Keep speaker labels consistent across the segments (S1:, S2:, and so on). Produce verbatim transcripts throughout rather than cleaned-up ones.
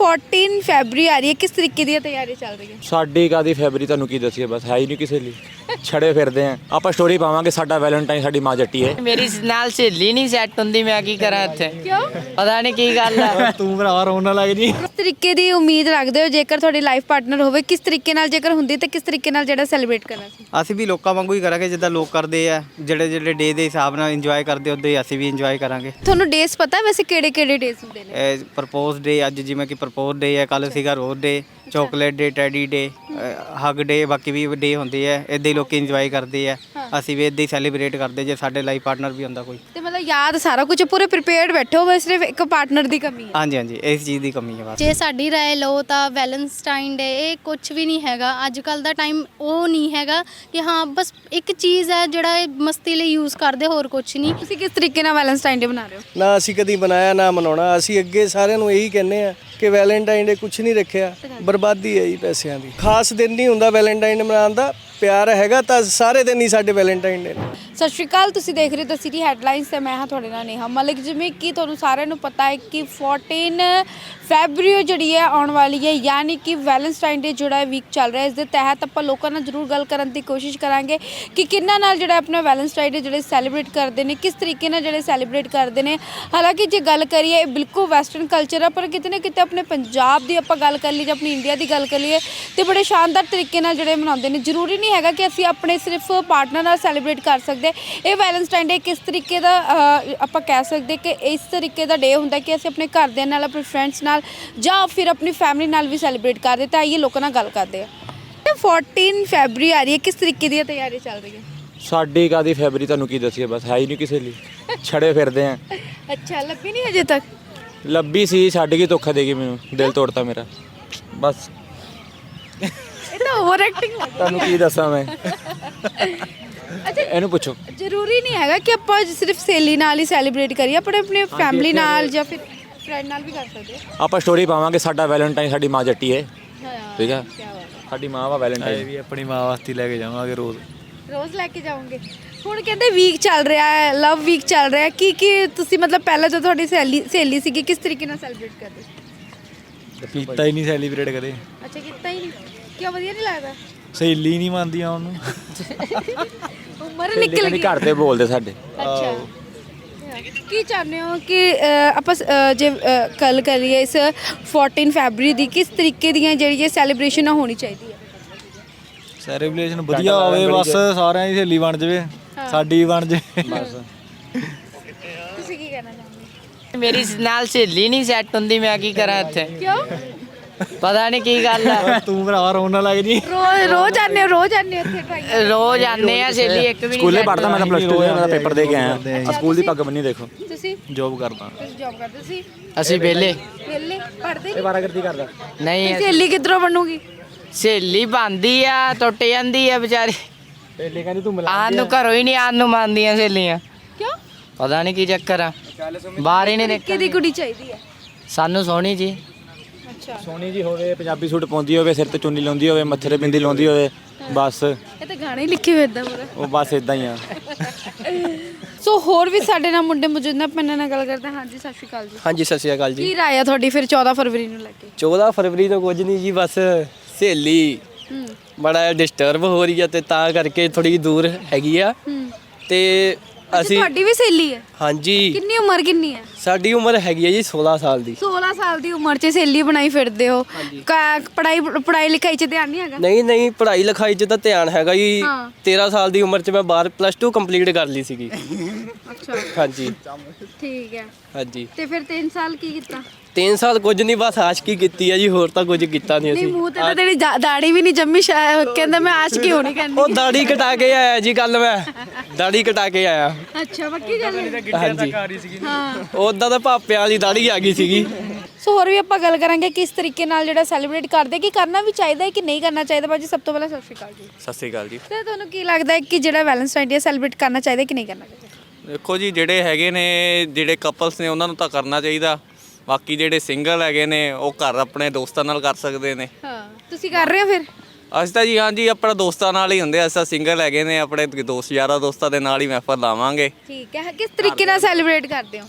S1: चौदह फरवरी आ रही है, किस तरीके दी तैयारी चल रही है?
S2: ਸਾਡੀ ਕਾਦੀ ਫੈਬਰੀ ਤੁਹਾਨੂੰ ਕੀ ਦੱਸੀਏ, ਬਸ ਹੈ ਹੀ ਨਹੀਂ ਕਿਸੇ ਲਈ, ਛੜੇ ਫਿਰਦੇ ਆ ਆਪਾਂ। ਸਟੋਰੀ ਪਾਵਾਂਗੇ ਸਾਡਾ ਵੈਲੈਂਟਾਈਨ ਸਾਡੀ ਮਾਂ ਜੱਟੀ ਹੈ।
S3: ਮੇਰੀ ਨਾਲ ਸਹੇਲੀ ਨਹੀਂ ਸੈੱਟ ਹੁੰਦੀ, ਮੈਂ ਕੀ ਕਰਾਂ ਇੱਥੇ?
S1: ਕਿਉਂ?
S3: ਪਤਾ ਨਹੀਂ ਕੀ ਗੱਲ ਹੈ।
S4: ਤੂੰ ਭਰਾਵਾ ਰੋਣ ਨਾ ਲੱਗ ਜੀ।
S1: ਕਿਸ ਤਰੀਕੇ ਦੀ ਉਮੀਦ ਰੱਖਦੇ ਹੋ ਜੇਕਰ ਤੁਹਾਡੀ ਲਾਈਫ ਪਾਰਟਨਰ ਹੋਵੇ? ਕਿਸ ਤਰੀਕੇ ਨਾਲ ਜੇਕਰ ਹੁੰਦੀ ਤਾਂ ਕਿਸ ਤਰੀਕੇ ਨਾਲ ਜਿਹੜਾ ਸੈਲੀਬ੍ਰੇਟ ਕਰਨਾ ਸੀ?
S5: ਅਸੀਂ ਵੀ ਲੋਕਾਂ ਵਾਂਗੂ ਹੀ ਕਰਾਂਗੇ ਜਿੱਦਾਂ ਲੋਕ ਕਰਦੇ ਆ, ਜਿਹੜੇ ਜਿਹੜੇ ਡੇ ਦੇ ਹਿਸਾਬ ਨਾਲ ਇੰਜੋਏ ਕਰਦੇ ਉੱਦਾਂ ਹੀ ਅਸੀਂ ਵੀ ਇੰਜੋਏ ਕਰਾਂਗੇ।
S1: ਤੁਹਾਨੂੰ ਡੇਸ ਪਤਾ ਵੈਸੇ ਕਿਹੜੇ ਕਿਹੜੇ ਡੇਸ ਹੁੰਦੇ ਨੇ?
S5: ਪ੍ਰਪੋਜ਼ ਡੇ ਅੱਜ ਜਿਵੇਂ ਕਿ ਪ੍ਰਪੋਜ਼ ਡੇ ਹੈ, ਕੱਲ ਸੀਗਾ ਰੋਜ਼ ਡੇ, ਚਾਕਲੇਟ ਡੇ, ਟੈਡੀ ਡੇ, ਹੱਗ ਡੇ, ਬਾਕੀ ਵੀ ਡੇ ਹੁੰਦੇ ਆ। ਇੱਦਾਂ ਹੀ ਲੋਕੀ ਇੰਜੋਏ ਕਰਦੇ ਆ, ਅਸੀਂ ਵੀ ਇੱਦਾਂ ਹੀ ਸੈਲੀਬ੍ਰੇਟ ਕਰਦੇ ਜੇ ਸਾਡੇ ਲਾਈਫ ਪਾਰਟਨਰ ਵੀ ਹੁੰਦਾ ਕੋਈ।
S1: ਤੇ ਮਤਲਬ ਯਾਦ ਸਾਰਾ ਕੁਝ ਪੂਰੇ ਪ੍ਰੀਪੇਅਰਡ ਬੈਠੇ ਹੋ, ਬਸ ਸਿਰਫ ਇੱਕ ਪਾਰਟਨਰ ਦੀ ਕਮੀ ਹੈ।
S5: ਹਾਂਜੀ ਹਾਂਜੀ ਇਸ ਚੀਜ਼ ਦੀ ਕਮੀ ਹੈ ਬਸ।
S6: ਜੇ ਸਾਡੀ ਰਾਏ ਲਓ ਤਾਂ ਵੈਲੈਂਟਾਈਨ ਡੇ ਇਹ ਕੁਝ ਵੀ ਨਹੀਂ ਹੈਗਾ। ਅੱਜ ਕੱਲ ਦਾ ਟਾਈਮ ਉਹ ਨਹੀਂ ਹੈਗਾ ਕਿ ਹਾਂ ਬਸ ਇੱਕ ਚੀਜ਼ ਹੈ ਜਿਹੜਾ ਇਹ ਮਸਤੀ ਲਈ ਯੂਜ਼ ਕਰਦੇ, ਹੋਰ ਕੁਝ ਨਹੀਂ।
S1: ਤੁਸੀਂ ਕਿਸ ਤਰੀਕੇ ਨਾਲ ਵੈਲੈਂਟਾਈਨ ਡੇ ਬਣਾ ਰਹੇ ਹੋ?
S4: ਨਾ ਅਸੀਂ ਕਦੀ ਬਣਾਇਆ ਨਾ ਮਨਾਉਣਾ। ਅਸੀਂ ਅੱਗੇ ਸਾਰਿਆਂ ਨੂੰ ਇਹੀ ਕਹਿੰਦੇ ਆ ਕਿ ਵੈਲੈਂਟਾਈਨ ਡੇ ਕੁਝ ਨਹੀਂ ਰੱਖਿਆ, ਬਰਬਾਦੀ ਹੈ ਜੀ ਪੈਸਿਆਂ ਦੀ। ਖਾਸ ਦਿਨ ਨਹੀਂ ਹੁੰਦਾ ਵੈਲੈਂਟਾਈਨ ਡੇ ਮਨਾਉਣ ਦਾ, ਪਿਆਰ ਹੈਗਾ ਤਾਂ ਸਾਰੇ ਦਿਨ ਹੀ ਸਾਡੇ ਵੈਲੈਂਟਾਈਨ ਡੇ ਨੇ।
S1: ਸਤਿ ਸ਼੍ਰੀ ਅਕਾਲ, ਤੁਸੀਂ ਦੇਖ ਰਹੇ ਹੋ ਦ ਸਿਟੀ ਹੈਡਲਾਈਨਸ ਤੇ ਮੈਂ ਹਾਂ ਤੁਹਾਡੇ ਨਾਲ ਨੇਹਾ ਮਲਿਕ। ਜਿਵੇਂ ਕਿ ਤੁਹਾਨੂੰ ਸਾਰਿਆਂ ਨੂੰ ਪਤਾ ਹੈ ਕਿ ਚੌਦਾਂ ਫੈਬਰੀ ਜਿਹੜੀ ਹੈ ਆਉਣ ਵਾਲੀ ਹੈ, ਯਾਨੀ ਕਿ ਵੈਲੈਂਟਾਈਨ ਡੇ ਜਿਹੜਾ ਵੀਕ ਚੱਲ ਰਿਹਾ। ਇਸ ਦੇ ਤਹਿਤ ਆਪਾਂ ਲੋਕਾਂ ਨਾਲ ਜ਼ਰੂਰ ਗੱਲ ਕਰਨ ਦੀ ਕੋਸ਼ਿਸ਼ ਕਰਾਂਗੇ ਕਿ ਕਿੰਨਾ ਨਾਲ ਜਿਹੜਾ ਆਪਣਾ ਵੈਲੈਂਟਾਈਨ ਡੇ ਜਿਹੜੇ ਸੈਲੀਬ੍ਰੇਟ ਕਰਦੇ ਨੇ, ਕਿਸ ਤਰੀਕੇ ਨਾਲ ਜਿਹੜੇ ਸੈਲੀਬ੍ਰੇਟ ਕਰਦੇ ਨੇ। ਹਾਲਾਂਕਿ ਜੇ ਗੱਲ ਕਰੀਏ ਇਹ ਬਿਲਕੁਲ ਵੈਸਟਰਨ ਕਲਚਰ ਆ, ਪਰ ਕਿਤੇ ਨਾ ਕਿਤੇ ਆਪਣੇ ਪੰਜਾਬ ਦੀ ਆਪਾਂ ਗੱਲ ਕਰ ਲਈ ਜਾਂ ਆਪਣੀ ਇੰਡੀਆ ਦੀ ਗੱਲ ਕਰ ਲਈਏ ਤੇ ਬੜੇ ਸ਼ਾਨਦਾਰ ਤਰੀਕੇ ਨਾਲ ਜਿਹੜੇ ਮਨਾਉਂਦੇ ਨੇ। ਜ਼ਰੂਰੀ ਨਹੀਂ ਹੈਗਾ ਕਿ ਅਸੀਂ ਆਪਣੇ ਸਿਰਫ ਪਾਰਟਨਰ ਨਾਲ ਸੈਲੀਬ੍ਰੇਟ ਕਰ ਸਕਦੇ। ਇਹ ਵੈਲੈਂਟਾਈਨ ਡੇ ਕਿਸ ਤਰੀਕੇ ਦਾ ਆਪਾਂ ਕਹਿ ਸਕਦੇ ਕਿ ਇਸ ਤਰੀਕੇ ਦਾ ਡੇ ਹੁੰਦਾ ਕਿ ਅਸੀਂ ਆਪਣੇ ਘਰਦਿਆਂ ਨਾਲ, ਆਪਣੇ ਫਰੈਂਡਸ ਨਾਲ ਜਾਂ ਫਿਰ ਆਪਣੀ ਫੈਮਿਲੀ ਨਾਲ ਵੀ ਸੈਲੀਬ੍ਰੇਟ ਕਰਦੇ। ਤਾਂ ਆਈਏ ਲੋਕਾਂ ਨਾਲ ਗੱਲ ਕਰਦੇ ਆ। ਚੌਦ੍ਹ ਫਰਵਰੀ ਆ ਰਹੀ ਹੈ, ਕਿਸ ਤਰੀਕੇ ਦੀ ਤਿਆਰੀ ਚੱਲ ਰਹੀ ਹੈ?
S2: ਸਾਡੀ ਕਾਦੀ ਫੈਬਰੀ ਤੁਹਾਨੂੰ ਕੀ ਦੱਸੀਏ, ਬਸ ਹੈ ਹੀ ਨਹੀਂ ਕਿਸੇ ਲਈ, ਛੜੇ ਫਿਰਦੇ ਆ।
S1: ਅੱਛਾ, ਲੱਭੀ ਨਹੀਂ ਅਜੇ ਤੱਕ?
S2: ਲੱਭੀ ਸੀ, ਛੱਡ ਕੇ ਧੋਖਾ ਦੇ ਗਈ ਮੈਨੂੰ, ਦਿਲ ਤੋੜਤਾ ਮੇਰਾ ਬਸ।
S1: ਇਹ ਤਾਂ ਓਵਰ ਐਕਟਿੰਗ ਲੱਗ
S2: ਤੁਹਾਨੂੰ ਕੀ ਦੱਸਾਂ ਮੈਂ,
S1: ਅੱਛਾ
S2: ਇਹਨੂੰ ਪੁੱਛੋ।
S1: ਜ਼ਰੂਰੀ ਨਹੀਂ ਹੈਗਾ ਕਿ ਆਪਾਂ ਸਿਰਫ ਸਹੇਲੀ ਨਾਲ ਹੀ ਸੈਲੀਬ੍ਰੇਟ ਕਰੀਏ, ਆਪਣੇ ਆਪਣੇ ਫੈਮਿਲੀ ਨਾਲ ਜਾਂ ਫਿਰ ਫਰੈਂਡ ਨਾਲ ਵੀ ਕਰ ਸਕਦੇ ਹਾਂ।
S2: ਆਪਾਂ ਸਟੋਰੀ ਪਾਵਾਂਗੇ ਸਾਡਾ ਵੈਲੈਂਟਾਈਨ ਸਾਡੀ ਮਾਂ ਜੱਟੀ ਹੈ।
S1: ਹਾਂ,
S2: ਠੀਕ ਹੈ,
S1: ਕੀ ਬਾਤ ਹੈ।
S2: ਸਾਡੀ ਮਾਂ ਵਾ ਵੈਲੈਂਟਾਈਨ।
S4: ਵੀ ਆਪਣੀ ਮਾਂ ਵਾਸਤੇ ਲੈ ਕੇ ਜਾਵਾਂਗੇ ਰੋਜ਼
S1: ਰੋਜ਼ ਲੈ ਕੇ ਜਾਓਗੇ। ਹੁਣ ਕਹਿੰਦੇ ਵੀਕ ਚੱਲ ਰਿਹਾ ਹੈ, ਲਵ ਵੀਕ ਚੱਲ ਰਿਹਾ ਹੈ। ਕੀ ਕੀ ਤੁਸੀਂ ਮਤਲਬ ਪਹਿਲਾਂ ਜਦੋਂ ਤੁਹਾਡੀ ਸਹੇਲੀ ਸਹੇਲੀ ਸੀਗੀ ਕਿਸ ਤਰੀਕੇ ਨਾਲ ਸੈਲੀਬ੍ਰੇਟ ਕਰਦੇ?
S4: ਕੀਤਾ ਹੀ ਨਹੀਂ ਸੈਲੀਬ੍ਰੇਟ ਕਦੇ।
S1: ਅੱਛਾ, ਕੀਤਾ ਹੀ ਨਹੀਂ? ਕਿਉਂ, ਵਧੀਆ ਨਹੀਂ ਲੱਗਦਾ?
S4: ਸਹੇਲੀ ਨਹੀਂ ਮੰਨਦੀਆਂ ਉਹਨੂੰ।
S1: ਉਮਰ ਨਿਕਲ ਗਈ
S2: ਘਰ ਤੇ ਬੋਲਦੇ ਸਾਡੇ।
S1: ਅੱਛਾ, ਕੀ ਚਾਹੁੰਦੇ ਹੋ ਕਿ ਅ, ਆਪਾਂ ਅ, ਜੇ ਅ, ਗੱਲ ਕਰੀਏ ਇਸ ਚੌਦਾਂ ਫੈਬਰੀ ਦੀ, ਕਿਸ ਤਰੀਕੇ ਦੀਆਂ ਜਿਹੜੀ ਸੈਲੀਬ੍ਰੇਸ਼ਨ ਹੋਣੀ ਚਾਹੀਦੀ ਹੈ?
S4: ਸੈਲੀਬ੍ਰੇਸ਼ਨ ਵਧੀਆ ਹੋਵੇ, ਬਸ ਸਾਰਿਆਂ ਦੀ ਸਹੇਲੀ ਬਣ ਜਾਵੇ, ਸਾਡੀ ਵੀ ਬਣ ਜਾਵੇ ਬਸ।
S1: ਤੁਸੀਂ ਕੀ ਕਹਿਣਾ ਚਾਹੁੰਦੇ?
S3: ਮੇਰੀ ਨਾਲ ਸਹੇਲੀ ਨਹੀਂ ਸੈੱਟ ਹੁੰਦੀ, ਮੈਂ ਕੀ ਕਰਾਂ ਇੱਥੇ?
S1: ਕਿਉਂ?
S3: ਪਤਾ ਨਹੀਂ ਕੀ ਗੱਲ ਹੈ।
S4: ਤੂੰ ਭਰਾਵਾ ਰੋਣ ਨਾ ਲੱਗ ਜੀ।
S1: ਰੋਜ਼ ਰੋਜ਼ ਆਉਂਦੇ ਹੋ ਰੋਜ਼ ਆਉਂਦੇ ਹੋ ਇੱਥੇ ਟਰਾਈ?
S3: ਰੋਜ਼ ਆਉਂਦੇ ਆ, ਸਹੇਲੀ ਇੱਕ ਵੀ ਨਹੀਂ
S2: ਸਕੂਲੇ
S3: set
S2: ਪੜ੍ਹਦਾ ਮੈਂ ਤਾਂ ਪਲੱਸ ਟੂ ਦਾ ਪੇਪਰ ਦੇ ਕੇ ਆਇਆ।
S1: ਅੱਛਾ,
S2: ਸਕੂਲ ਦੀ ਪੱਗ ਬੰਨੀ ਦੇਖੋ।
S1: ਤੁਸੀਂ
S4: ਜੋਬ ਕਰਦਾ।
S1: ਤੁਸੀਂ ਜੌਬ ਕਰਦੇ? ਤੁਸੀਂ
S3: ਅਸੀਂ ਵਿਹਲੇ
S1: ਵਿਹਲੇ ਪੜ੍ਹਦੇ
S2: ਇਹ ਵਾਰਾਗਰਦੀ ਕਰਦਾ।
S3: ਨਹੀਂ।
S1: ਸਹੇਲੀ ਕਿੱਧਰੋਂ ਬਣੂਗੀ?
S3: ਸਹੇਲੀ ਬਣਦੀ ਆ, ਟੁੱਟ ਜਾਂਦੀ ਆ ਵਿਚਾਰੀ।
S2: ਪਹਿਲੇ ਕਹਿੰਦੀ ਤੂੰ
S3: ਆਉਣ ਨੂੰ ਘਰੋਂ ਹੀ ਨਹੀਂ ਆਉਣ ਨੂੰ ਮੰਨਦੀਆਂ ਸਹੇਲੀਆਂ।
S1: ਕਿਉਂ?
S3: ਪਤਾ ਨਹੀਂ ਕੀ ਚੱਕਰ ਆ, ਬਾਹਰ ਹੀ ਨਹੀਂ
S1: ਕਿਹਦੀ
S3: ਨਿਕਲਦੀ।
S1: ਕੁੜੀ ਚਾਹੀਦੀ ਹੈ?
S3: ਸਾਨੂੰ ਸੋਹਣੀ ਜੀ।
S1: ਅੱਛਾ,
S2: ਸੋਹਣੀ ਜੀ ਹੋਵੇ, ਪੰਜਾਬੀ ਸੂਟ ਪਾਉਂਦੀ ਹੋਵੇ, ਸਿਰ ਤੇ ਚੁੰਨੀ ਲਾਉਂਦੀ ਹੋਵੇ, ਮੱਥੇ ਤੇ ਬਿੰਦੀ ਲਾਉਂਦੀ ਹੋਵੇ, ਬਸ।
S1: ਇਹ ਤਾਂ ਗਾਣੇ ਲਿਖੇ ਹੋਏ ਇਦਾਂ ਪੂਰਾ।
S2: ਉਹ ਬਸ ਇਦਾਂ ਹੀ ਆ।
S1: ਸੋ ਹੋਰ ਵੀ ਸਾਡੇ ਨਾਲ ਮੁੰਡੇ ਮੌਜੂਦ ਨੇ, ਆਪਾਂ ਇਹਨਾਂ ਨਾਲ ਗੱਲ ਕਰਦੇ ਹਾਂ। ਹਾਂਜੀ, ਸਤਿ ਸ਼੍ਰੀ ਅਕਾਲ ਜੀ।
S7: ਹਾਂਜੀ ਸਤਿ ਸ਼੍ਰੀ ਅਕਾਲ ਜੀ।
S1: ਕੀ ਰਾਏ ਆ ਤੁਹਾਡੀ ਫਿਰ ਚੌਦਾਂ ਫਰਵਰੀ ਨੂੰ ਲੈ ਕੇ?
S7: ਚੌਦਾਂ ਫਰਵਰੀ ਤੋਂ ਕੁਝ ਨਹੀਂ ਜੀ, ਬਸ ਸਹੇਲੀ
S1: ਹੂੰ
S7: ਬੜਾ ਡਿਸਟਰਬ ਹੋ ਰਹੀ ਆ ਤੇ ਤਾਂ ਕਰਕੇ ਥੋੜੀ ਦੂਰ ਹੈਗੀ ਆ।
S1: ਹੂੰ
S7: ਤੇ ਅਸੀਂ
S1: ਤੁਹਾਡੀ ਵੀ ਸਹੇਲੀ ਹੈ?
S7: ਹਾਂਜੀ,
S1: ਕਿੰਨੀ ਉਮਰ ਕਿੰਨੀ ਹੈ?
S7: ਸਾਡੀ ਉਮਰ ਹੈਗੀ ਆ ਜੀ ਸੋਲਾਂ ਸਾਲ ਦੀ।
S1: ਸੋਲਾਂ ਸਾਲ ਦੀ ਉਮਰ 'ਚ ਸਹੇਲੀ ਬਣਾਈ ਫਿਰਦੇ ਹੋ। ਕਾ- ਪੜ੍ਹਾਈ ਪੜ੍ਹਾਈ ਲਿਖਾਈ 'ਚ ਧਿਆਨ ਨਹੀਂ ਹੈਗਾ?
S7: ਨਹੀਂ ਨਹੀਂ, ਪੜ੍ਹਾਈ ਲਿਖਾਈ 'ਚ ਤਾਂ ਧਿਆਨ ਹੈਗਾ ਜੀ।
S1: ਹਾਂ।
S7: ਤੇਰਾਂ ਸਾਲ ਦੀ ਉਮਰ 'ਚ ਮੈਂ ਬਾਹਰ ਪਲੱਸ ਟੂ ਕੰਪਲੀਟ ਕਰ ਲਈ ਸੀਗੀ।
S1: ਅੱਛਾ,
S7: ਹਾਂਜੀ
S1: ਠੀਕ ਹੈ।
S7: ਹਾਂਜੀ।
S1: ਤੇ ਫਿਰ ਤਿੰਨ ਸਾਲ ਕੀ ਕੀਤਾ?
S7: ਤਿੰਨ ਸਾਲ ਕੁਝ ਨਹੀਂ, ਬਸ ਆਸ਼ਕੀ ਕੀਤੀ ਆ ਜੀ, ਹੋਰ ਤਾਂ ਕੁਝ ਕੀਤਾ ਨਹੀਂ
S1: ਨਹੀਂ,
S7: ਅਸੀਂ।
S1: ਮੂੰਹ ਤੇ ਤਾਂ ਤੇਰੀ ਜਾ- ਦਾੜੀ ਵੀ ਨਹੀਂ ਜੰਮੀ। ਸ਼ਾਇਦ ਕਹਿੰਦਾ ਮੈਂ ਆਸ਼ਕੀ ਹੋਣੀ ਕਰਨੀ।
S7: ਉਹ ਦਾੜੀ ਕਟਾ ਕੇ ਆਇਆ ਜੀ, ਕੱਲ ਮੈਂ ਦਾੜੀ ਕਟਾ ਕੇ ਆਇਆ।
S1: ਅੱਛਾ, ਪੱਕੀ ਗੱਲ ਹੈ?
S7: ਹਾਂਜੀ,
S1: ਹਾਂ।
S7: ਉਦਾਂ ਤਾਂ ਭਾਪਿਆਂ ਵਾਲੀ ਦਾੜੀ ਆ ਗਈ ਸੀਗੀ।
S1: ਸੋ ਹੋਰ ਵੀ ਆਪਾਂ ਗੱਲ ਕਰਾਂਗੇ ਕਿਸ ਤਰੀਕੇ ਨਾਲ ਜਿਹੜਾ ਸੈਲੀਬ੍ਰੇਟ ਕਰਦੇ, ਕਿ ਕਰਨਾ ਵੀ ਚਾਹੀਦਾ ਹੈ ਕਿ ਨਹੀਂ ਕਰਨਾ ਚਾਹੀਦਾ। ਭਾਜੀ ਸਭ ਤੋਂ ਪਹਿਲਾਂ ਸਤਿ ਸ਼੍ਰੀ ਅਕਾਲ ਜੀ।
S8: ਸਤਿ ਸ਼੍ਰੀ ਅਕਾਲ ਜੀ।
S1: ਤੇ ਤੁਹਾਨੂੰ ਕੀ ਲੱਗਦਾ ਹੈ ਕਿ ਜਿਹੜਾ ਵੈਲੈਂਟਾਈਨ ਡੇ ਸੈਲੀਬ੍ਰੇਟ ਕਰਨਾ ਚਾਹੀਦਾ ਕਿ ਨਹੀਂ ਕਰਨਾ ਚਾਹੀਦਾ?
S8: ਦੇਖੋ ਜੀ, ਜਿਹੜੇ ਹੈਗੇ ਨੇ, ਜਿਹੜੇ ਕਪਲਸ ਨੇ ਉਹਨਾਂ ਨੂੰ ਤਾਂ ਕਰਨਾ ਚਾਹੀਦਾ। ਬਾਕੀ ਜਿਹੜੇ ਸਿੰਗਲ ਹੈਗੇ ਨੇ ਉਹ ਘਰ ਆਪਣੇ ਦੋਸਤਾਂ ਨਾਲ ਕਰ ਸਕਦੇ ਨੇ।
S1: ਹਾਂ, ਤੁਸੀਂ ਕਰ ਰਹੇ ਹੋ ਫਿਰ?
S8: ਅਸੀਂ ਤਾਂ ਜੀ ਹਾਂਜੀ ਆਪਣਾ ਦੋਸਤਾਂ ਨਾਲ ਹੀ ਹੁੰਦੇ, ਅਸੀਂ ਤਾਂ ਸਿੰਗਲ ਹੈਗੇ ਨੇ, ਆਪਣੇ ਦੋਸਤ ਯਾਰਾਂ ਦੋਸਤਾਂ ਦੇ ਨਾਲ ਹੀ ਮਹਿਫਲ ਲਾਵਾਂਗੇ।
S1: ਠੀਕ ਹੈ। ਕਿਸ ਤਰੀਕੇ ਨਾਲ ਸੈਲੀਬ੍ਰੇਟ ਕਰਦੇ ਹੋ?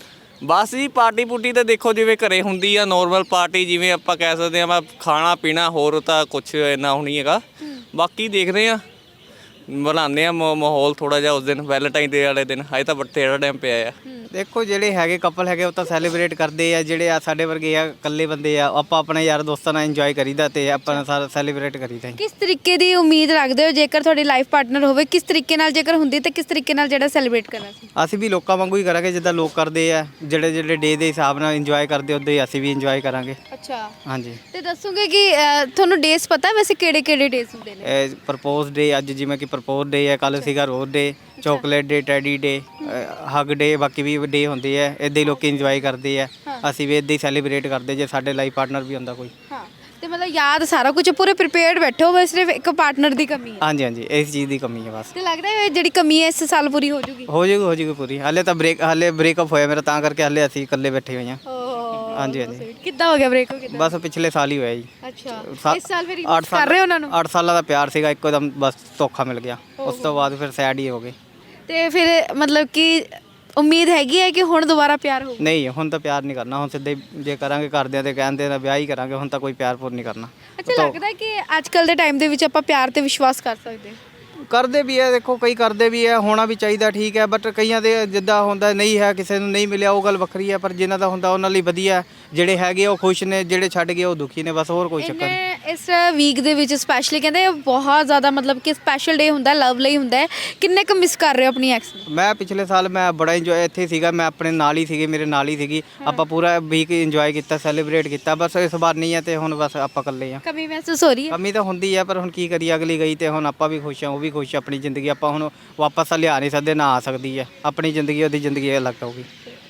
S8: ਬਸ ਜੀ ਪਾਰਟੀ ਪੂਟੀ ਤਾਂ ਦੇਖੋ ਜਿਵੇਂ ਘਰੇ ਹੁੰਦੀ ਆ ਨੋਰਮਲ ਪਾਰਟੀ, ਜਿਵੇਂ ਆਪਾਂ ਕਹਿ ਸਕਦੇ ਆ, ਖਾਣਾ ਪੀਣਾ, ਹੋਰ ਤਾਂ ਕੁਛ ਇੰਨਾ ਨਹੀਂ ਹੈਗਾ। ਬਾਕੀ ਦੇਖਦੇ ਆ, ਬਣਾਉਂਦੇ ਆ ਮਾਹੌਲ ਥੋੜਾ ਜਿਹਾ ਉਸ ਦਿਨ ਵੈਲੈਂਟਾਈਨ ਡੇ ਵਾਲੇ ਦਿਨ। ਹਜੇ ਤਾਂ ਬਥੇਰਾ ਟਾਈਮ ਪਿਆ ਆ।
S5: ਦੇਖੋ ਜਿਹੜੇ ਹੈਗੇ ਕਪਲ ਹੈਗੇ ਉਹ ਤਾਂ ਸੈਲੀਬ੍ਰੇਟ ਕਰਦੇ ਆ, ਜਿਹੜੇ ਆ ਸਾਡੇ ਵਰਗੇ ਆ ਇਕੱਲੇ ਬੰਦੇ ਆ, ਆਪਾਂ ਆਪਣੇ ਯਾਰ ਦੋਸਤਾਂ ਨਾਲ ਇੰਜੋਏ ਕਰੀਦਾ ਤੇ ਆਪਾਂ ਸਾਰਾ ਸੈਲੀਬ੍ਰੇਟ ਕਰੀਦਾ।
S1: ਕਿਸ ਤਰੀਕੇ ਦੀ ਉਮੀਦ ਰੱਖਦੇ ਹੋ ਜੇਕਰ ਤੁਹਾਡੀ ਲਾਈਫ ਪਾਰਟਨਰ ਹੋਵੇ, ਕਿਸ ਤਰੀਕੇ ਨਾਲ ਜੇਕਰ ਹੁੰਦੀ ਤਾਂ ਕਿਸ ਤਰੀਕੇ ਨਾਲ ਜਿਹੜਾ ਸੈਲੀਬ੍ਰੇਟ ਕਰਨਾ ਸੀ?
S5: ਅਸੀਂ ਵੀ ਲੋਕਾਂ ਵਾਂਗੂ ਹੀ ਕਰਾਂਗੇ ਜਿੱਦਾਂ ਲੋਕ ਕਰਦੇ ਆ, ਜਿਹੜੇ ਜਿਹੜੇ ਡੇ ਦੇ ਹਿਸਾਬ ਨਾਲ ਇੰਜੋਏ ਕਰਦੇ ਉੱਦਾਂ ਹੀ ਅਸੀਂ ਵੀ ਇੰਜੋਏ ਕਰਾਂਗੇ।
S1: ਅੱਛਾ,
S5: ਹਾਂਜੀ।
S1: ਤੇ ਦੱਸੋਗੇ ਕਿ ਅ, ਤੁਹਾਨੂੰ ਡੇਸ ਪਤਾ ਵੈਸੇ ਕਿਹੜੇ ਕਿਹੜੇ ਡੇਸ ਹੁੰਦੇ ਨੇ?
S5: ਇਹ ਪ੍ਰਪੋਜ਼ ਡੇ ਅੱਜ ਜਿਵੇਂ ਕਿ ਪ੍ਰਪੋਜ਼ ਡੇ ਹੈ, ਕੱਲ ਸੀਗਾ ਰੋਜ਼ ਡੇ, ਚਾਕਲੇਟ ਡੇ, ਟੈਡੀ ਡੇ, ਹੱਗ ਡੇ, ਬਾਕੀ ਵੀ ਡੇ ਹੁੰਦੇ ਆ, ਇੱਦਾਂ ਹੀ ਲੋਕੀ ਇੰਜੋਏ ਕਰਦੇ ਆ। ਅਸੀਂ ਵੀ ਇੱਦਾਂ ਹੀ ਸੈਲੀਬ੍ਰੇਟ ਕਰਦੇ ਜੇ ਸਾਡੇ ਲਾਈਫ ਪਾਰਟਨਰ ਵੀ ਹੁੰਦਾ ਕੋਈ।
S1: ਹਾਂ, ਤੇ ਮਤਲਬ ਯਾਦ ਸਾਰਾ ਕੁਝ ਪੂਰੇ ਪ੍ਰੀਪੇਅਰਡ ਬੈਠੇ ਹੋ, ਬਸ ਸਿਰਫ ਇੱਕ ਪਾਰਟਨਰ ਦੀ ਕਮੀ ਹੈ।
S5: ਹਾਂਜੀ ਹਾਂਜੀ, ਇਸ ਚੀਜ਼ ਦੀ ਕਮੀ ਹੈ ਬਸ।
S1: ਤੇ ਲੱਗਦਾ ਹੈ ਜਿਹੜੀ ਕਮੀ ਹੈ ਇਸ ਸਾਲ ਪੂਰੀ ਹੋ ਜੂਗੀ?
S5: ਹੋ ਜਾਊਗੀ ਹੋ ਜਾਊਗੀ ਪੂਰੀ। ਹਾਲੇ ਤਾਂ ਬ੍ਰੇਕ ਹਾਲੇ ਬ੍ਰੇਕਅਪ ਹੋਇਆ ਮੇਰਾ, ਤਾਂ ਕਰਕੇ ਹਾਲੇ ਅਸੀਂ ਇਕੱਲੇ ਬੈਠੇ ਹੋਏ ਹਾਂ। ਹਾਂਜੀ ਹਾਂਜੀ।
S1: ਕਿੱਦਾਂ ਹੋ ਗਿਆ ਬ੍ਰੇਕ? ਹੋ ਗਿਆ
S5: ਬਸ ਪਿਛਲੇ ਸਾਲ ਹੀ ਹੋਇਆ ਜੀ।
S1: ਅੱਛਾ, ਇਸ ਸਾਲ ਫਿਰ
S5: ਅੱਠ
S1: ਕਰ ਰਹੇ ਹੋ ਉਹਨਾਂ ਨੂੰ?
S5: ਅੱਠ ਸਾਲਾਂ ਦਾ ਪਿਆਰ ਸੀਗਾ, ਇੱਕੋਦਮ ਬਸ ਧੋਖਾ ਮਿਲ ਗਿਆ। ਉਸ ਤੋਂ ਬਾਅਦ ਫਿਰ ਸੈਡ ਹੀ ਹੋ ਗਏ।
S1: ਤੇ ਫਿਰ ਮਤਲਬ ਕਿ ਉਮੀਦ ਹੈਗੀ ਹੈ ਕਿ ਹੁਣ ਦੁਬਾਰਾ ਪਿਆਰ ਹੋਊ?
S5: ਨਹੀਂ, ਹੁਣ ਤਾਂ ਪਿਆਰ ਨਹੀਂ ਕਰਨਾ। ਹੁਣ ਸਿੱਧੇ ਜੇ ਕਰਾਂਗੇ ਘਰਦਿਆਂ ਦੇ ਕਹਿੰਦੇ ਤਾਂ ਵਿਆਹ ਹੀ ਕਰਾਂਗੇ। ਹੁਣ ਤਾਂ ਕੋਈ ਪਿਆਰ ਪੂਰ ਨਹੀਂ ਕਰਨਾ।
S1: ਅੱਛਾ, ਲੱਗਦਾ ਹੈ ਕਿ ਅੱਜ ਕੱਲ ਦੇ ਟਾਈਮ ਦੇ ਵਿੱਚ ਆਪਾਂ ਪਿਆਰ ਤੇ ਵਿਸ਼ਵਾਸ ਕਰ ਸਕਦੇ ਹਾਂ?
S5: ਕਰਦੇ ਵੀ ਹੈ, ਦੇਖੋ ਕਈ ਕਰਦੇ ਵੀ ਹੈ, ਹੋਣਾ ਵੀ ਚਾਹੀਦਾ, ਠੀਕ ਹੈ। ਬਟ ਕਈਆਂ ਦੇ ਜਿੱਦਾਂ ਹੁੰਦਾ ਨਹੀਂ ਹੈ, ਕਿਸੇ ਨੂੰ ਨਹੀਂ ਮਿਲਿਆ, ਉਹ ਗੱਲ ਵੱਖਰੀ ਹੈ। ਪਰ ਜਿਨ੍ਹਾਂ ਦਾ ਹੁੰਦਾ ਉਹਨਾਂ ਲਈ ਵਧੀਆ, ਜਿਹੜੇ ਹੈਗੇ ਉਹ ਖੁਸ਼ ਨੇ, ਜਿਹੜੇ ਛੱਡ ਗਏ ਉਹ ਦੁਖੀ ਨੇ, ਬਸ ਹੋਰ ਕੋਈ ਚੱਕਰ ਨਹੀਂ।
S1: ਇਹਨੇ ਇਸ ਵੀਕ ਦੇ ਵਿੱਚ ਸਪੈਸ਼ਲੀ ਕਹਿੰਦੇ ਬਹੁਤ ਜ਼ਿਆਦਾ ਮਤਲਬ ਕਿ ਸਪੈਸ਼ਲ ਡੇ ਹੁੰਦਾ, ਲਵ ਲਈ ਹੁੰਦਾ ਹੈ। ਕਿੰਨੇ ਕੁ ਮਿਸ ਕਰ ਰਹੇ ਹੋ ਆਪਣੀ ਐਕਸ ਨੂੰ?
S5: ਮੈਂ ਪਿਛਲੇ ਸਾਲ ਮੈਂ ਬੜਾ ਇੰਜੋਏ ਇੱਥੇ ਸੀਗਾ, ਮੈਂ ਆਪਣੇ ਨਾਲ ਹੀ ਸੀਗੀ, ਮੇਰੇ ਨਾਲ ਹੀ ਸੀਗੀ। ਆਪਾਂ ਪੂਰਾ ਵੀਕ ਇੰਜੋਏ ਕੀਤਾ, ਸੈਲੀਬ੍ਰੇਟ ਕੀਤਾ। ਬਸ ਇਸ ਵਾਰ ਨਹੀਂ ਹੈ ਤੇ ਹੁਣ ਬਸ ਆਪਾਂ ਇਕੱਲੇ ਆ।
S1: ਕਮੀ ਮਹਿਸੂਸ ਹੋ ਰਹੀ ਹੈ?
S5: ਕਮੀ ਤਾਂ ਹੁੰਦੀ ਹੈ, ਪਰ ਹੁਣ ਕੀ ਕਰੀਏ, ਅਗਲੀ ਗਈ ਤੇ ਹੁਣ ਆਪਾਂ ਵੀ ਖੁਸ਼ ਹਾਂ, ਉਹ ਵੀ ਖੁਸ਼। ਆਪਣੀ ਜ਼ਿੰਦਗੀ ਆਪਾਂ ਹੁਣ ਵਾਪਸ ਤਾਂ ਲਿਆ ਨਹੀਂ ਸਕਦੇ, ਨਾ ਆ ਸਕਦੀ ਹੈ। ਆਪਣੀ ਜ਼ਿੰਦਗੀ ਉਹਦੀ ਜ਼ਿੰਦਗੀ ਅਲੱਗ ਹੋਊਗੀ।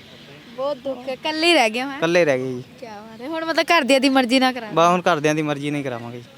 S1: ਬਹੁਤ ਦੁੱਖ ਹੈ, ਇਕੱਲੇ ਹੀ ਰਹਿ ਗਏ ਹਾਂ।
S5: ਇਕੱਲੇ ਰਹਿ ਗਏ ਜੀ।
S1: ਕੀ ਬਾਤ ਹੈ, ਹੁਣ ਮਤਲਬ ਘਰਦਿਆਂ ਦੀ ਮਰਜ਼ੀ ਨਾ ਕਰਾਂ?
S5: ਬਸ ਹੁਣ ਘਰਦਿਆਂ ਦੀ ਮਰਜ਼ੀ ਨਹੀਂ ਕਰਾਵਾਂਗੇ ਜੀ।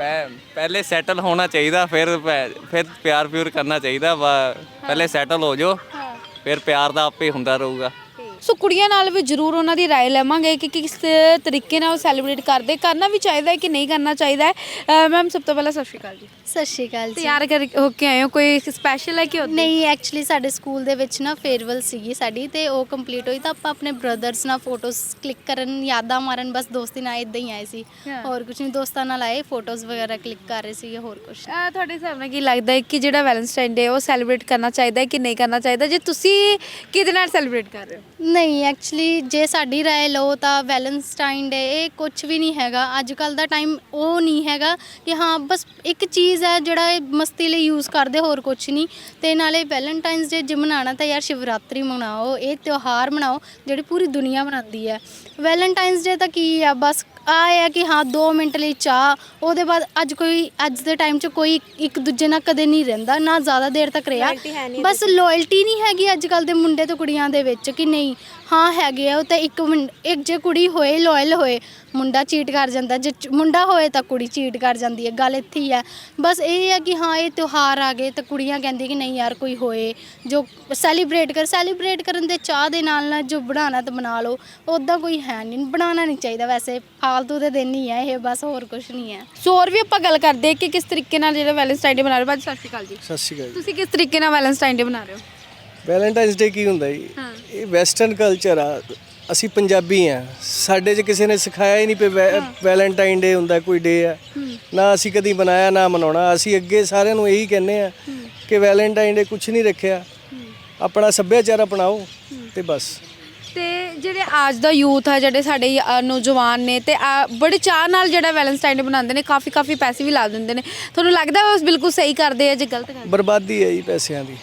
S8: ਪਹਿਲੇ ਸੈਟਲ ਹੋਣਾ ਚਾਹੀਦਾ, ਫਿਰ ਫਿਰ ਪਿਆਰ ਪਿਉਰ ਕਰਨਾ ਚਾਹੀਦਾ। ਪਹਿਲੇ ਸੈਟਲ ਹੋ ਜਾਓ, ਫਿਰ ਪਿਆਰ ਦਾ ਆਪੇ ਹੁੰਦਾ ਰਹੂਗਾ।
S1: ਸੋ ਕੁੜੀਆਂ ਨਾਲ ਵੀ ਜ਼ਰੂਰ ਉਹਨਾਂ ਦੀ ਰਾਏ ਲਵਾਂਗੇ ਕਿ ਕਿਸ ਤਰੀਕੇ ਨਾਲ ਉਹ ਸੈਲੀਬ੍ਰੇਟ ਕਰਦੇ, ਕਰਨਾ ਵੀ ਚਾਹੀਦਾ ਹੈ ਕਿ ਨਹੀਂ ਕਰਨਾ ਚਾਹੀਦਾ ਹੈ। ਮੈਮ ਸਭ ਤੋਂ ਪਹਿਲਾਂ ਸਤਿ ਸ਼੍ਰੀ ਅਕਾਲ ਜੀ।
S6: ਸਤਿ ਸ਼੍ਰੀ ਅਕਾਲ ਜੀ।
S1: ਤਿਆਰ ਕਰ ਹੋ ਕੇ ਆਏ ਹੋ, ਕੋਈ ਸਪੈਸ਼ਲ ਹੈ ਕਿ?
S6: ਨਹੀਂ, ਐਕਚੁਅਲੀ ਸਾਡੇ ਸਕੂਲ ਦੇ ਵਿੱਚ ਨਾ ਫੇਅਰਵੈਲ ਸੀਗੀ ਸਾਡੀ, ਤੇ ਉਹ ਕੰਪਲੀਟ ਹੋਈ ਤਾਂ ਆਪਾਂ ਆਪਣੇ ਬ੍ਰਦਰਸ ਨਾਲ ਫੋਟੋਜ਼ ਕਲਿੱਕ ਕਰਨ, ਯਾਦਾਂ ਮਾਰਨ, ਬਸ ਦੋਸਤੀ ਨਾਲ ਇਦਾਂ ਹੀ ਆਏ ਸੀ। ਹੋਰ ਕੁਝ ਨਹੀਂ, ਦੋਸਤਾਂ ਨਾਲ ਆਏ, ਫੋਟੋਜ਼ ਵਗੈਰਾ ਕਲਿੱਕ ਕਰ ਰਹੇ ਸੀਗੇ, ਹੋਰ ਕੁਝ।
S1: ਤੁਹਾਡੇ ਹਿਸਾਬ ਨਾਲ ਕੀ ਲੱਗਦਾ ਹੈ ਕਿ ਜਿਹੜਾ ਵੈਲੈਂਟਾਈਨ ਡੇ ਉਹ ਸੈਲੀਬ੍ਰੇਟ ਕਰਨਾ ਚਾਹੀਦਾ ਹੈ ਕਿ ਨਹੀਂ ਕਰਨਾ ਚਾਹੀਦਾ? ਜੇ ਤੁਸੀਂ ਕਿਹਦੇ ਨਾਲ ਸੈਲੀਬ੍ਰੇਟ ਕਰ ਰਹੇ ਹੋ?
S6: ਨਹੀਂ, ਐਕਚੁਅਲੀ ਜੇ ਸਾਡੀ ਰਾਏ ਲਓ ਤਾਂ ਵੈਲੈਂਟਾਈਨ ਡੇ ਇਹ ਕੁਝ ਵੀ ਨਹੀਂ ਹੈਗਾ। ਅੱਜ ਕੱਲ ਦਾ ਟਾਈਮ ਉਹ ਨਹੀਂ ਹੈਗਾ ਕਿ ਹਾਂ ਬਸ ਇੱਕ ਚੀਜ਼ ਹੈ ਜਿਹੜਾ ਇਹ ਮਸਤੀ ਲਈ ਯੂਜ਼ ਕਰਦੇ, ਹੋਰ ਕੁਝ ਨਹੀਂ। ਤੇ ਨਾਲੇ ਵੈਲੈਂਟਾਈਨਸ ਡੇ ਜੇ ਮਨਾਉਣਾ ਤਾਂ ਯਾਰ ਸ਼ਿਵਰਾਤਰੀ ਮਨਾਓ, ਇਹ ਤਿਉਹਾਰ ਮਨਾਓ ਜਿਹੜੀ ਪੂਰੀ ਦੁਨੀਆ ਮਨਾਉਂਦੀ ਹੈ। ਵੈਲੈਂਟਾਈਨਸ ਡੇ ਤਾਂ ਕੀ ਆ, ਬਸ ਆ ਹੈ ਕਿ ਹਾਂ ਦੋ ਮਿੰਟ ਲਈ ਚਾਹ, ਉਹਦੇ ਬਾਅਦ ਅੱਜ ਕੋਈ ਅੱਜ ਦੇ ਟਾਈਮ 'ਚ ਕੋਈ ਇੱਕ ਦੂਜੇ ਨਾਲ ਕਦੇ ਨਹੀਂ ਰਹਿੰਦਾ, ਨਾ ਜ਼ਿਆਦਾ ਦੇਰ ਤੱਕ ਰਿਹਾ। ਬਸ ਲੋਇਲਟੀ ਨਹੀਂ ਹੈਗੀ ਅੱਜ ਕੱਲ ਦੇ ਮੁੰਡੇ ਤੇ ਕੁੜੀਆਂ ਦੇ ਵਿੱਚ ਕਿ ਨਹੀਂ, ਹਾਂ ਹੈਗੇ ਆ ਉਹ ਤਾਂ ਇੱਕ ਇੱਕ ਜੇ ਕੁੜੀ ਹੋਏ ਲੋਇਲ ਹੋਏ, ਮੁੰਡਾ ਚੀਟ ਕਰ ਜਾਂਦਾ, ਜੇ ਮੁੰਡਾ ਹੋਏ ਤਾਂ ਕੁੜੀ ਚੀਟ ਕਰ ਜਾਂਦੀ ਹੈ। ਗੱਲ ਇੱਥੇ ਹੀ ਹੈ। ਬਸ ਇਹ ਹੈ ਕਿ ਹਾਂ ਇਹ ਤਿਉਹਾਰ ਆ ਗਏ ਤਾਂ ਕੁੜੀਆਂ ਕਹਿੰਦੀ ਕਿ ਨਹੀਂ ਯਾਰ ਕੋਈ ਹੋਏ ਜੋ ਸੈਲੀਬ੍ਰੇਟ ਕਰ, ਸੈਲੀਬ੍ਰੇਟ ਕਰਨ ਦੇ ਚਾਹ ਦੇ ਨਾਲ ਨਾਲ ਜੋ ਬਣਾਉਣਾ ਤਾਂ ਬਣਾ ਲਓ, ਉੱਦਾਂ ਕੋਈ ਹੈ ਨਹੀਂ, ਬਣਾਉਣਾ ਨਹੀਂ ਚਾਹੀਦਾ। ਵੈਸੇ ਫਾਲਤੂ ਦੇ ਦਿਨ ਹੀ ਹੈ ਇਹ, ਬਸ ਹੋਰ ਕੁਝ ਨਹੀਂ ਹੈ।
S1: ਸੋ ਹੋਰ ਵੀ ਆਪਾਂ ਗੱਲ ਕਰਦੇ ਕਿ ਕਿਸ ਤਰੀਕੇ ਨਾਲ ਜਿਹੜਾ ਵੈਲੈਂਟਾਈਨ ਡੇ ਮਨਾ ਰਹੇ ਹੋ। ਭਾਜੀ ਸਤਿ ਸ਼੍ਰੀ ਅਕਾਲ ਜੀ।
S4: ਸਤਿ ਸ਼੍ਰੀ ਅਕਾਲ।
S1: ਤੁਸੀਂ ਕਿਸ ਤਰੀਕੇ ਨਾਲ ਵੈਲੈਂਟਾਈਨ ਡੇ ਮਨਾ ਰਹੇ ਹੋ?
S4: ਵੈਲੈਂਟਾਈਨਸ ਡੇ ਕੀ ਹੁੰਦਾ ਜੀ? ਇਹ ਵੈਸਟਰਨ ਕਲਚਰ ਆ, ਅਸੀਂ ਪੰਜਾਬੀ ਆ, ਸਾਡੇ 'ਚ ਕਿਸੇ ਨੇ ਸਿਖਾਇਆ ਹੀ ਨਹੀਂ ਪਈ ਵੈਲੈਂਟਾਈਨ ਡੇ ਹੁੰਦਾ ਕੋਈ ਡੇ ਆ, ਨਾ ਅਸੀਂ ਕਦੀ ਬਣਾਇਆ ਨਾ ਮਨਾਉਣਾ। ਅਸੀਂ ਅੱਗੇ ਸਾਰਿਆਂ ਨੂੰ ਇਹੀ ਕਹਿੰਦੇ ਆ ਕਿ ਵੈਲੈਂਟਾਈਨ ਡੇ ਕੁਝ ਨਹੀਂ ਰੱਖਿਆ, ਆਪਣਾ ਸੱਭਿਆਚਾਰ ਅਪਣਾਓ ਤੇ ਬਸ।
S1: ਤੇ ਜਿਹੜੇ ਅੱਜ ਦਾ ਯੂਥ ਆ, ਜਿਹੜੇ ਸਾਡੇ ਅ, ਨੌਜਵਾਨ ਨੇ ਤੇ ਆ ਬੜੇ ਚਾਅ ਨਾਲ ਜਿਹੜਾ ਵੈਲੈਂਟਾਈਨ ਡੇ ਬਣਾਉਂਦੇ ਨੇ, ਕਾਫੀ ਕਾਫੀ ਪੈਸੇ ਵੀ ਲਾ ਦਿੰਦੇ ਨੇ। ਤੁਹਾਨੂੰ ਲੱਗਦਾ ਉਹ ਬਿਲਕੁਲ ਸਹੀ ਕਰਦੇ ਆ ਜੇ ਗਲਤ ਕਰਦੇ?
S4: ਬਰਬਾਦੀ ਹੈ ਜੀ ਪੈਸਿਆਂ ਦੀ,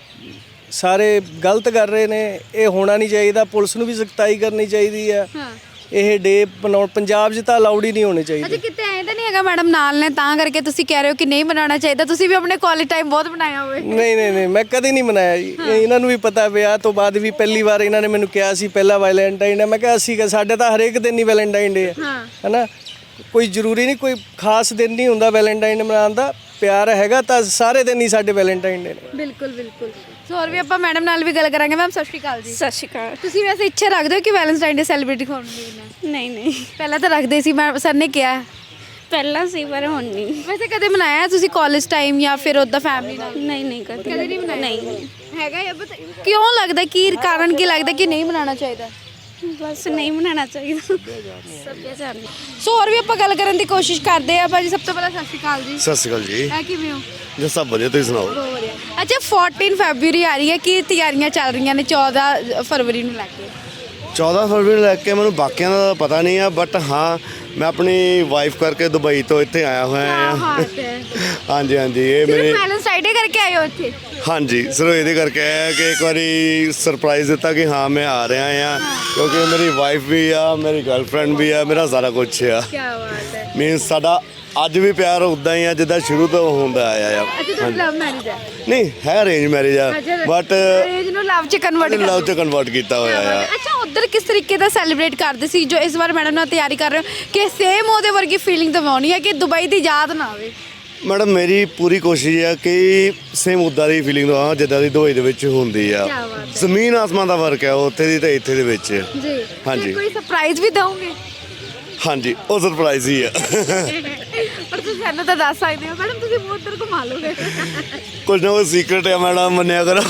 S4: ਸਾਰੇ ਗਲਤ ਕਰ ਰਹੇ ਨੇ। ਇਹ ਹੋਣਾ ਨਹੀਂ ਚਾਹੀਦਾ, ਪੁਲਿਸ ਨੂੰ ਵੀ ਸਖਤਾਈ ਕਰਨੀ ਚਾਹੀਦੀ ਆ। ਇਹ ਡੇ ਬਣਾਉਣ ਪੰਜਾਬ 'ਚ ਤਾਂ ਅਲਾਉਡ ਹੀ ਨਹੀਂ ਹੋਣੇ ਚਾਹੀਦੇ।
S1: ਅੱਛਾ, ਕਿਤੇ ਐਂ ਤਾਂ ਨਹੀਂ ਹੈਗਾ ਮੈਡਮ ਨਾਲ ਨੇ ਤਾਂ ਕਰਕੇ ਤੁਸੀਂ ਕਹਿ ਰਹੇ ਹੋ ਕਿ ਨਹੀਂ ਮਨਾਉਣਾ ਚਾਹੀਦਾ? ਤੁਸੀਂ ਵੀ ਆਪਣੇ ਕਾਲਜ ਟਾਈਮ ਬਹੁਤ ਬਣਾਇਆ ਹੋਵੇ।
S4: ਨਹੀਂ ਨਹੀਂ ਨਹੀਂ, ਮੈਂ ਕਦੇ ਨਹੀਂ ਮਨਾਇਆ ਜੀ। ਇਹਨਾਂ ਨੂੰ ਵੀ ਪਤਾ, ਵਿਆਹ ਤੋਂ ਬਾਅਦ ਵੀ ਪਹਿਲੀ ਵਾਰ ਇਹਨਾਂ ਨੇ ਮੈਨੂੰ ਕਿਹਾ ਸੀ ਪਹਿਲਾ ਵੈਲੈਂਟਾਈਨ ਡੇ। ਮੈਂ ਕਿਹਾ ਸੀਗਾ ਸਾਡੇ ਤਾਂ ਹਰੇਕ ਦਿਨ ਹੀ ਵੈਲੈਂਟਾਈਨ ਡੇ ਹੈ ਹੈਨਾ, ਕੋਈ ਜ਼ਰੂਰੀ ਨਹੀਂ ਕੋਈ ਖਾਸ ਦਿਨ ਨਹੀਂ ਹੁੰਦਾ ਵੈਲੈਂਟਾਈਨ ਡੇ ਮਨਾਉਣ ਦਾ। ਪਿਆਰ ਹੈਗਾ ਤਾਂ ਸਾਰੇ ਦਿਨ ਹੀ ਸਾਡੇ ਵੈਲੈਂਟਾਈਨ ਡੇ ਨੇ।
S1: ਬਿਲਕੁਲ ਬਿਲਕੁਲ। ਸੋ ਹੋਰ ਵੀ ਆਪਾਂ ਮੈਡਮ ਨਾਲ ਵੀ ਗੱਲ ਕਰਾਂਗੇ। ਮੈਮ ਸਤਿ ਸ਼੍ਰੀ ਅਕਾਲ ਜੀ।
S9: ਸਤਿ ਸ਼੍ਰੀ ਅਕਾਲ।
S1: ਤੁਸੀਂ ਵੈਸੇ ਇੱਛਾ ਰੱਖਦੇ ਹੋ ਕਿ ਵੈਲੈਂਟਾਈਨ ਡੇ ਸੈਲੀਬ੍ਰੇਟ ਹੋਣ ਦੀ?
S9: ਨਹੀਂ ਨਹੀਂ,
S1: ਪਹਿਲਾਂ ਤਾਂ ਰੱਖਦੇ ਸੀ, ਮੈਂ ਸਰ ਨੇ ਕਿਹਾ।
S9: ਪਹਿਲਾਂ ਸੀ ਪਰ ਹੁਣ ਨਹੀਂ।
S1: ਵੈਸੇ ਕਦੇ ਮਨਾਇਆ ਤੁਸੀਂ ਕਾਲਜ ਟਾਈਮ ਜਾਂ ਫਿਰ ਉਦਾਂ ਫੈਮਿਲੀ ਨਾਲ?
S9: ਨਹੀਂ ਨਹੀਂ ਕਦੇ
S1: ਕਦੇ ਨਹੀਂ ਮਨਾਇਆ?
S9: ਨਹੀਂ
S1: ਹੈਗਾ ਇਹ ਬਸ ਕਿਉਂ ਲੱਗਦਾ ਕੀ ਕਾਰਨ ਕੀ ਲੱਗਦਾ ਕਿ ਨਹੀਂ ਮਨਾਉਣਾ ਚਾਹੀਦਾ?
S9: ਬਸ ਨਹੀਂ ਮਨਾਉਣਾ ਚਾਹੀਦਾ ਸੱਭਿਆਚਾਰ ਨੂੰ।
S1: ਸੋ ਹੋਰ ਵੀ ਆਪਾਂ ਗੱਲ ਕਰਨ ਦੀ ਕੋਸ਼ਿਸ਼ ਕਰਦੇ ਆ ਭਾਜੀ। ਸਭ ਤੋਂ ਪਹਿਲਾਂ ਸਤਿ ਸ਼੍ਰੀ ਅਕਾਲ ਜੀ।
S10: ਸਤਿ ਸ਼੍ਰੀ ਅਕਾਲ ਜੀ।
S1: ਇਹ ਕਿਵੇਂ ਹੋ?
S10: ਜੀ ਸਭ ਵਧੀਆ, ਤੁਸੀਂ ਸੁਣਾਓ।
S1: ਬਹੁਤ ਵਧੀਆ। ਅੱਛਾ ਚੌਦਾਂ ਫਰਵਰੀ ਆ ਰਹੀ ਹੈ, ਕੀ ਤਿਆਰੀਆਂ ਚੱਲ ਰਹੀਆਂ ਨੇ ਚੌਦਾਂ ਫਰਵਰੀ ਨੂੰ ਲੈ ਕੇ?
S10: ਚੌਦਾਂ ਫਰਵਰੀ ਨੂੰ ਲੈ ਕੇ ਮੈਨੂੰ ਬਾਕੀਆਂ ਦਾ ਪਤਾ ਨਹੀਂ ਆ, ਬਟ ਹਾਂ ਮੈਂ ਆਪਣੀ ਵਾਈਫ ਕਰਕੇ ਦੁਬਈ ਤੋਂ ਇੱਥੇ ਆਇਆ ਹੋਇਆ ਆ। ਹਾਂਜੀ ਹਾਂਜੀ, ਇਹ ਮੇਰੇ
S1: ਵੈਲੈਂਟਾਈਨ ਡੇ ਕਰਕੇ ਆਏ ਹੋ ਇੱਥੇ?
S10: ਹਾਂਜੀ, ਸਿਰਫ ਇਹਦੇ ਕਰਕੇ ਆਇਆ ਕਿ ਇੱਕ ਵਾਰੀ ਸਰਪ੍ਰਾਈਜ਼ ਦਿੱਤਾ ਕਿ ਹਾਂ ਮੈਂ ਆ ਰਿਹਾ ਆ, ਕਿਉਂਕਿ ਮੇਰੀ ਵਾਈਫ ਵੀ ਆ, ਮੇਰੀ ਗਰਲਫ੍ਰੈਂਡ ਵੀ ਆ, ਮੇਰਾ ਸਾਰਾ ਕੁਝ ਆ।
S1: ਕੀ ਬਾਤ ਹੈ।
S10: ਮੀਨਸ ਸਾਡਾ ਅੱਜ ਵੀ ਪਿਆਰ ਉਦਾਂ ਹੀ ਆ ਜਿੱਦਾਂ ਸ਼ੁਰੂ ਤੋਂ ਹੁੰਦਾ ਆਇਆ ਆ।
S1: ਅੱਛਾ ਤੁਹਾਡੀ ਲਵ ਮੈਰਿਜ ਹੈ?
S10: ਨਹੀਂ ਹੈ, ਅਰੇਂਜ ਮੈਰਿਜ ਆ, ਬਟ
S1: ਅਰੇਂਜ ਨੂੰ ਲਵ ਚ ਕਨਵਰਟ ਕਰ
S10: ਲਵ ਚ ਕਨਵਰਟ ਕੀਤਾ ਹੋਇਆ ਆ।
S1: ਅੱਛਾ ਉਧਰ ਕਿਸ ਤਰੀਕੇ ਦਾ ਸੈਲੀਬ੍ਰੇਟ ਕਰਦੇ ਸੀ ਜੋ ਇਸ ਵਾਰ ਮੈਡਮ ਨਾਲ ਤਿਆਰੀ ਕਰ ਰਹੇ ਹੋ ਕਿ ਸੇਮ ਉਹਦੇ ਵਰਗੀ ਫੀਲਿੰਗ ਦਿਵਾਉਣੀ ਹੈ ਕਿ ਦੁਬਈ ਦੀ ਯਾਦ ਨਾ ਆਵੇ?
S10: ਮੈਡਮ ਮੇਰੀ ਪੂਰੀ ਕੋਸ਼ਿਸ਼ ਹੈ ਕਿ ਸੇਮ ਉੱਦਾਂ ਦੀ ਫੀਲਿੰਗ ਦਵਾਂ ਜਿੱਦਾਂ ਦੀ ਦੁਬਈ ਦੇ ਵਿੱਚ ਹੁੰਦੀ ਆ। ਜ਼ਮੀਨ ਆਸਮਾਨ ਦਾ ਫਰਕ ਹੈ ਉੱਥੇ ਦੀ ਤੇ ਇੱਥੇ ਦੇ ਵਿੱਚ
S1: ਜੀ।
S10: ਹਾਂਜੀ।
S1: ਕੋਈ ਸਰਪ੍ਰਾਈਜ਼ ਵੀ ਦਵੋਗੇ?
S10: ਹਾਂਜੀ, ਉਹ ਸਰਪ੍ਰਾਈਜ਼ ਹੀ ਆ।
S1: ਪਰ ਤੁਸੀਂ ਸਾਨੂੰ ਤਾਂ ਦੱਸ ਸਕਦੇ ਹੋ ਮੈਡਮ, ਤੁਸੀਂ ਮੂੰਹ ਉੱਧਰ ਘੁਮਾ ਲੋਗੇ।
S10: ਕੁਝ ਨਾ ਕੁਝ ਸੀਕ੍ਰੇਟ ਹੈ ਮੈਡਮ, ਮੰਨਿਆ ਕਰੋ।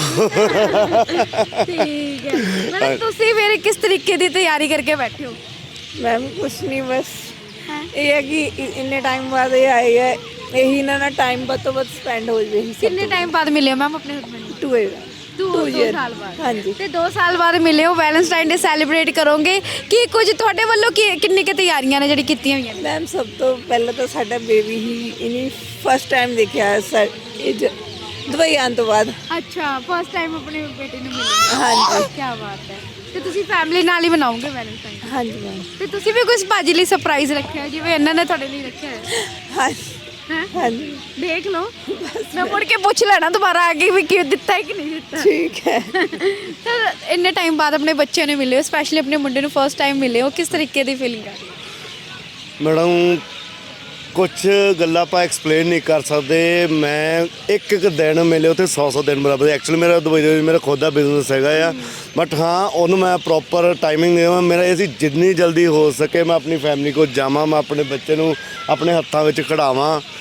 S1: ਠੀਕ ਹੈ ਮੈਡਮ, ਤੁਸੀਂ ਫਿਰ ਕਿਸ ਤਰੀਕੇ ਦੀ ਤਿਆਰੀ ਕਰਕੇ ਬੈਠੇ ਹੋ?
S11: ਮੈਮ ਕੁਛ ਨਹੀਂ, ਬਸ ਇਹ ਹੈ ਕਿ ਇੰਨੇ ਟਾਈਮ ਬਾਅਦ ਇਹ ਆਏ ਹੈ, ਇਹੀ ਇਹਨਾਂ ਨਾਲ ਟਾਈਮ ਵੱਧ ਤੋਂ ਵੱਧ ਸਪੈਂਡ ਹੋ ਜਾਵੇ।
S1: ਕਿੰਨੇ ਟਾਈਮ ਬਾਅਦ ਮਿਲੇ ਹੋ ਮੈਮ ਆਪਣੇ ਹਸਬੰਡ ਨੂੰ?
S11: ਟੂ
S1: ਦੋ ਸਾਲ ਬਾਅਦ।
S11: ਹਾਂਜੀ।
S1: ਤੇ ਦੋ ਸਾਲ ਬਾਅਦ ਮਿਲੇ ਹੋ, ਵੈਲੈਂਟਾਈਨ ਡੇ ਸੈਲੀਬ੍ਰੇਟ ਕਰੋਗੇ ਕੀ ਕੁਝ ਤੁਹਾਡੇ ਵੱਲੋਂ ਕੀ ਕਿੰਨੀ ਕਿ ਤਿਆਰੀਆਂ ਨੇ ਜਿਹੜੀ ਕੀਤੀਆਂ ਹੋਈਆਂ ਨੇ?
S11: ਮੈਮ ਸਭ ਤੋਂ ਪਹਿਲਾਂ ਤਾਂ ਸਾਡਾ ਬੇਬੀ ਹੀ ਇਨੀ ਫਸਟ ਟਾਈਮ ਦੇਖਿਆ ਸਰ ਇਹ ਜ- ਦੁਬਈ ਆਉਣ ਤੋਂ ਬਾਅਦ।
S1: ਅੱਛਾ ਫਸਟ ਟਾਈਮ ਆਪਣੇ ਬੇਟੇ ਨੂੰ ਮਿਲੇ?
S11: ਹਾਂਜੀ।
S1: ਕੀ ਬਾਤ ਹੈ। ਤੇ ਤੁਸੀਂ ਫੈਮਿਲੀ ਨਾਲ ਹੀ ਮਨਾਓਗੇ ਵੈਲੈਂਟਾਈਨ?
S11: ਹਾਂਜੀ ਮੈਮ।
S1: ਤੇ ਤੁਸੀਂ ਵੀ ਕੁਝ ਭਾਜੀ ਲਈ ਸਰਪ੍ਰਾਈਜ਼ ਰੱਖਿਆ ਜਿਵੇਂ ਇਹਨਾਂ ਨੇ ਤੁਹਾਡੇ ਲਈ ਰੱਖਿਆ ਹੈ?
S11: ਹਾਂਜੀ
S1: ਹੈਂ?
S11: ਹਾਂਜੀ
S1: ਦੇਖ ਲਓ, ਮੈਂ ਮੁੜ ਕੇ ਪੁੱਛ ਲੈਣਾ ਦੁਬਾਰਾ ਆ ਕੇ ਵੀ ਕੀ ਦਿੱਤਾ ਹੈ ਕਿ ਨਹੀਂ ਦਿੱਤਾ।
S11: ਠੀਕ ਹੈ।
S1: ਤਾਂ ਇੰਨੇ ਟਾਈਮ ਬਾਅਦ ਆਪਣੇ ਬੱਚੇ ਨੂੰ ਮਿਲੇ ਹੋ, ਸਪੈਸ਼ਲੀ ਆਪਣੇ ਮੁੰਡੇ ਨੂੰ ਫਸਟ ਟਾਈਮ ਮਿਲੇ ਹੋ, ਕਿਸ ਤਰੀਕੇ ਦੀ ਫੀਲਿੰਗ ਆ?
S10: ਮੈਡਮ ਕੁਝ ਗੱਲਾਂ ਆਪਾਂ ਐਕਸਪਲੇਨ ਨਹੀਂ ਕਰ ਸਕਦੇ। ਮੈਂ ਇੱਕ ਇੱਕ ਦਿਨ ਮਿਲੇ ਉੱਥੇ ਸੌ ਸੌ ਦਿਨ ਬਰਾਬਰ। ਐਕਚੁਅਲੀ ਮੇਰਾ ਦੁਬਈ ਦੇ ਵਿੱਚ ਮੇਰਾ ਖੁਦ ਦਾ ਬਿਜ਼ਨਸ ਹੈਗਾ ਆ, ਬਟ ਹਾਂ ਉਹਨੂੰ ਮੈਂ ਪ੍ਰੋਪਰ ਟਾਈਮਿੰਗ ਦੇਵਾਂ। ਮੇਰਾ ਇਹ ਸੀ ਜਿੰਨੀ ਜਲਦੀ ਹੋ ਸਕੇ ਮੈਂ ਆਪਣੀ ਫੈਮਿਲੀ ਕੋਲ ਜਾਵਾਂ, ਮੈਂ ਆਪਣੇ ਬੱਚੇ ਨੂੰ ਆਪਣੇ ਹੱਥਾਂ ਵਿੱਚ ਖੜਾਵਾਂ।